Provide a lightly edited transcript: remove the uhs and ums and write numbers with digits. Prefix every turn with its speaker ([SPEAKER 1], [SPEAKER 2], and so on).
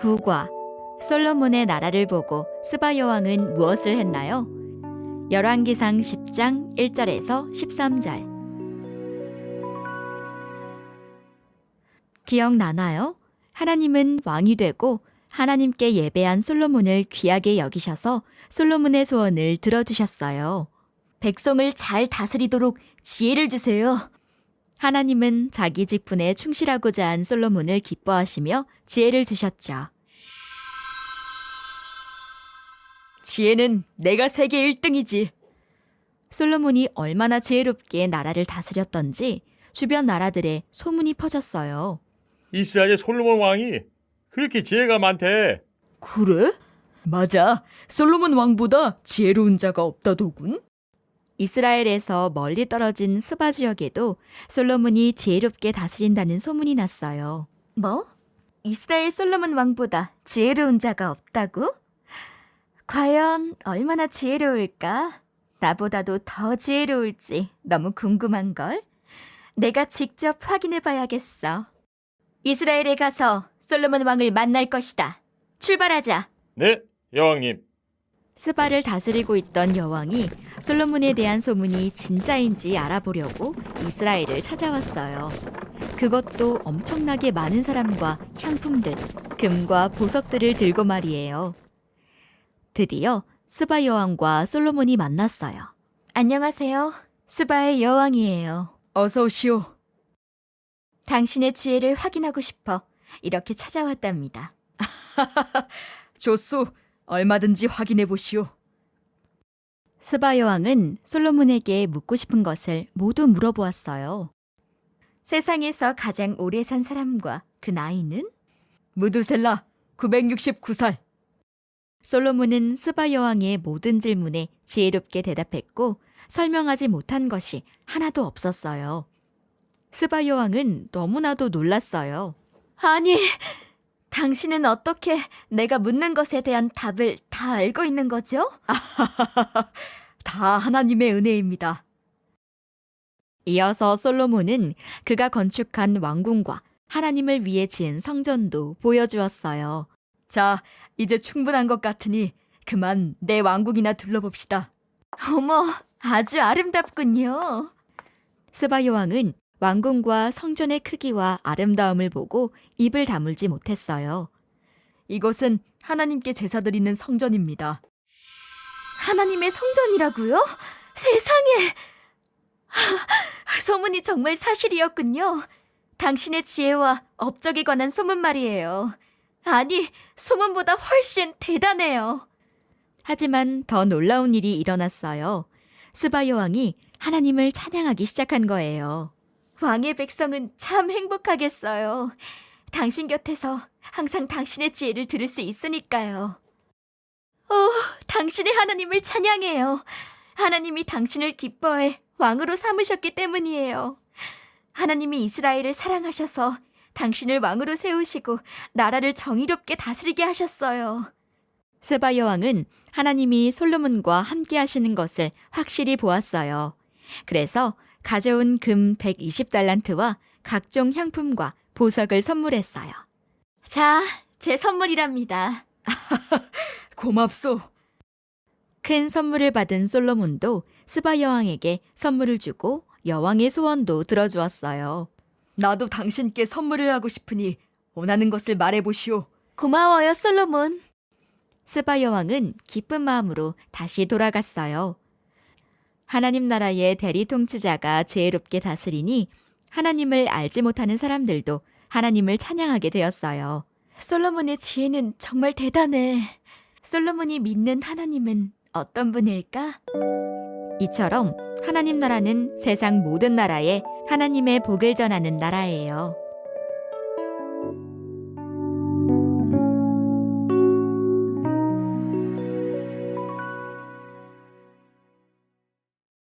[SPEAKER 1] 9과 솔로몬의 나라를 보고 스바 여왕은 무엇을 했나요? 열왕기상 10장 1절에서 13절. 기억나나요? 하나님은 왕이 되고 하나님께 예배한 솔로몬을 귀하게 여기셔서 솔로몬의 소원을 들어주셨어요. 백성을 잘 다스리도록 지혜를 주세요. 하나님은 자기 직분에 충실하고자 한 솔로몬을 기뻐하시며 지혜를 주셨죠. 지혜는 내가 세계 1등이지. 솔로몬이 얼마나 지혜롭게 나라를 다스렸던지 주변 나라들에 소문이 퍼졌어요.
[SPEAKER 2] 이스라엘의 솔로몬 왕이 그렇게 지혜가 많대.
[SPEAKER 3] 그래? 맞아. 솔로몬 왕보다 지혜로운 자가 없다더군.
[SPEAKER 1] 이스라엘에서 멀리 떨어진 스바 지역에도 솔로몬이 지혜롭게 다스린다는 소문이 났어요. 뭐? 이스라엘 솔로몬 왕보다 지혜로운 자가 없다고? 과연 얼마나 지혜로울까? 나보다도 더 지혜로울지 너무 궁금한걸? 내가 직접 확인해 봐야겠어. 이스라엘에 가서 솔로몬 왕을 만날 것이다. 출발하자.
[SPEAKER 2] 네, 여왕님.
[SPEAKER 1] 스바를 다스리고 있던 여왕이 솔로몬에 대한 소문이 진짜인지 알아보려고 이스라엘을 찾아왔어요. 그것도 엄청나게 많은 사람과 향품들, 금과 보석들을 들고 말이에요. 드디어 스바 여왕과 솔로몬이 만났어요. 안녕하세요. 스바의 여왕이에요.
[SPEAKER 3] 어서 오시오.
[SPEAKER 1] 당신의 지혜를 확인하고 싶어 이렇게 찾아왔답니다.
[SPEAKER 3] 좋소. 얼마든지 확인해 보시오.
[SPEAKER 1] 스바 여왕은 솔로몬에게 묻고 싶은 것을 모두 물어보았어요. 세상에서 가장 오래 산 사람과 그 나이는?
[SPEAKER 3] 무드셀라 969살.
[SPEAKER 1] 솔로몬은 스바 여왕의 모든 질문에 지혜롭게 대답했고 설명하지 못한 것이 하나도 없었어요. 스바 여왕은 너무나도 놀랐어요. 아니, 당신은 어떻게 내가 묻는 것에 대한 답을 다 알고 있는 거죠?
[SPEAKER 3] 다 하나님의 은혜입니다.
[SPEAKER 1] 이어서 솔로몬은 그가 건축한 왕궁과 하나님을 위해 지은 성전도 보여주었어요.
[SPEAKER 3] 자, 이제 충분한 것 같으니 그만 내 왕국이나 둘러봅시다.
[SPEAKER 1] 어머, 아주 아름답군요. 스바 여왕은 왕궁과 성전의 크기와 아름다움을 보고 입을 다물지 못했어요.
[SPEAKER 3] 이것은 하나님께 제사드리는 성전입니다.
[SPEAKER 1] 하나님의 성전이라고요? 세상에! 소문이 정말 사실이었군요. 당신의 지혜와 업적에 관한 소문 말이에요. 아니, 소문보다 훨씬 대단해요. 하지만 더 놀라운 일이 일어났어요. 스바 여왕이 하나님을 찬양하기 시작한 거예요. 왕의 백성은 참 행복하겠어요. 당신 곁에서 항상 당신의 지혜를 들을 수 있으니까요. 당신의 하나님을 찬양해요. 하나님이 당신을 기뻐해 왕으로 삼으셨기 때문이에요. 하나님이 이스라엘을 사랑하셔서 당신을 왕으로 세우시고 나라를 정의롭게 다스리게 하셨어요. 스바 여왕은 하나님이 솔로몬과 함께 하시는 것을 확실히 보았어요. 그래서 가져온 금 120달란트와 각종 향품과 보석을 선물했어요. 자, 제 선물이랍니다.
[SPEAKER 3] 고맙소.
[SPEAKER 1] 큰 선물을 받은 솔로몬도 스바 여왕에게 선물을 주고 여왕의 소원도 들어주었어요.
[SPEAKER 3] 나도 당신께 선물을 하고 싶으니 원하는 것을 말해보시오.
[SPEAKER 1] 고마워요, 솔로몬. 스바 여왕은 기쁜 마음으로 다시 돌아갔어요. 하나님 나라의 대리 통치자가 지혜롭게 다스리니 하나님을 알지 못하는 사람들도 하나님을 찬양하게 되었어요. 솔로몬의 지혜는 정말 대단해. 솔로몬이 믿는 하나님은 어떤 분일까? 이처럼 하나님 나라는 세상 모든 나라에 하나님의 복을 전하는 나라예요.